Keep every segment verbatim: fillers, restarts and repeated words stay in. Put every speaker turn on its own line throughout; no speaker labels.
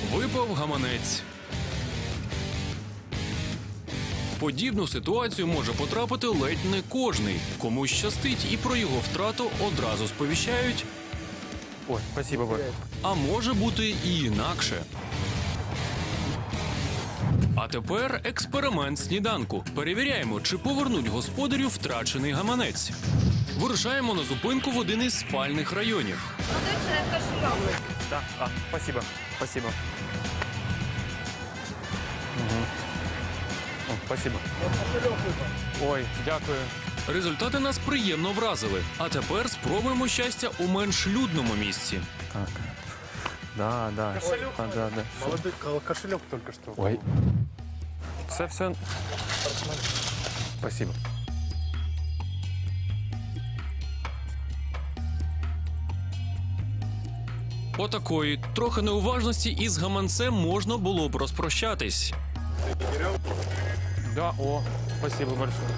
Випав гаманець. В подібну ситуацію може потрапити ледь не кожний. Комусь щастить і про його втрату одразу сповіщають.
Ой, спасибо, Боря.
А може бути і інакше. А тепер експеримент сніданку. Перевіряємо, чи повернуть господарю втрачений гаманець. Вирушаємо на зупинку в один із спальних районів.
Да, а, спасибо, спасибо. Угу. О, спасибо. Ой, дякую.
Результати нас приємно вразили. А тепер спробуємо щастя у менш людному місці.
Так. Да, да.
Кошелек?
А, да, да.
Молодой кошелек только что.
Ой. Це все... Спасибо.
Отакої трохи неуважності із гаманцем можна було б розпрощатись.
Да, о, спасибо большое.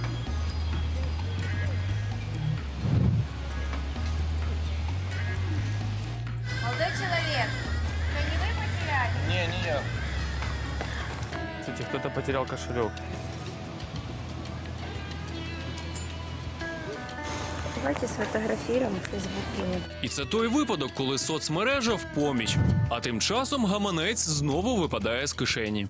Молодой человек, это не вы потеряли?
Не, не я.
Кстати, кто-то потерял кошелек.
Давайте сфотографируем в Фейсбуке.
І це той випадок, коли соцмережа в поміч. А тим часом гаманець знову випадає з кишені.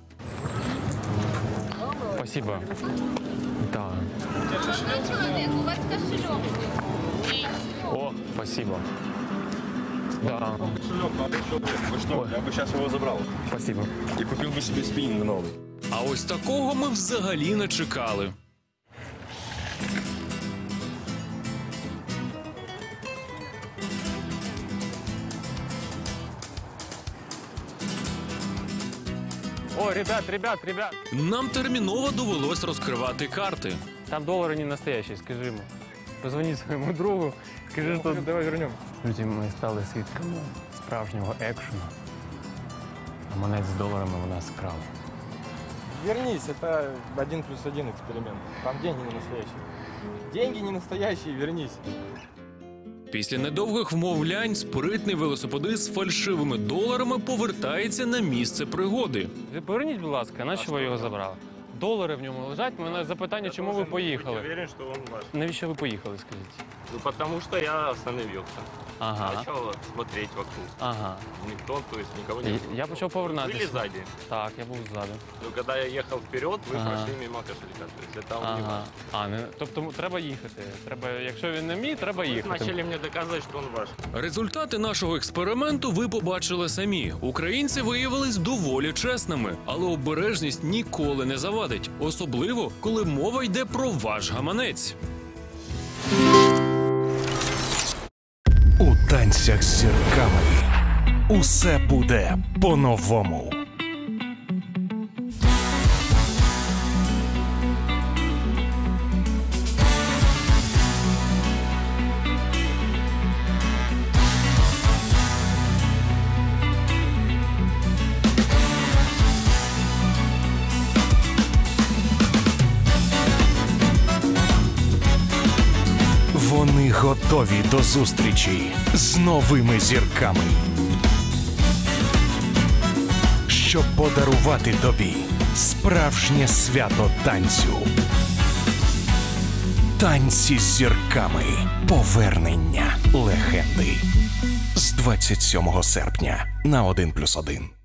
Спасибо. Да.
Молодой человек, у вас кошелек.
О, спасибо. Да,
Кошелек надо еще. Вы что, я бы сейчас его забрал.
спасибо.
И купил бы себе спиннинг новый.
А ось такого ми взагалі не чекали.
О, ребят, ребят, ребят.
Нам терміново довелось розкривати карти.
Там доллары не настоящие, скажи ему. Позвони своему другу, скажи, что...
Давай вернем.
Друзі, ми стали свідками справжнього екшену. Гаманець з доларами у нас скрали.
Вернись, это один плюс один эксперимент. Там деньги не настоящие. Деньги не настоящие, вернись.
Після недовгих вмовлянь спритний велосипедист з фальшивими доларами повертається на місце пригоди.
Ви поверніть, будь ласка, на що ви його забрали? Долари в ньому лежать. У мене запитання, чому ви поїхали?
Уверен, что он ваш.
Навіщо ви поїхали, скажіть?
Ну, потому что я остановился.
Ага,
Начал смотреть вокруг.
ага.
Никто, то есть никого не
Я,
было.
я почав
Были
повернатися.
сзади.
Так, я був ззаду.
Но когда я ехал вперед, вы
Ага.
прошли мимо кошелька. То есть это он не
Ага.
ваш.
А, не, тобто треба їхати. Треба, якщо він не мій, треба
Вы
їхати.
начали мне доказывать, что он ваш.
Результати нашого експерименту ви побачили самі. Українці виявились доволі чесними, але обережність ніколи не завадить. Особливо, коли мова йде про ваш гаманець.
У танцях з зірками усе буде по-новому. Вони готові до зустрічі з новими зірками, щоб подарувати тобі справжнє свято танцю. Танці з зірками. Повернення легенди. З двадцять сьомого серпня на один плюс один.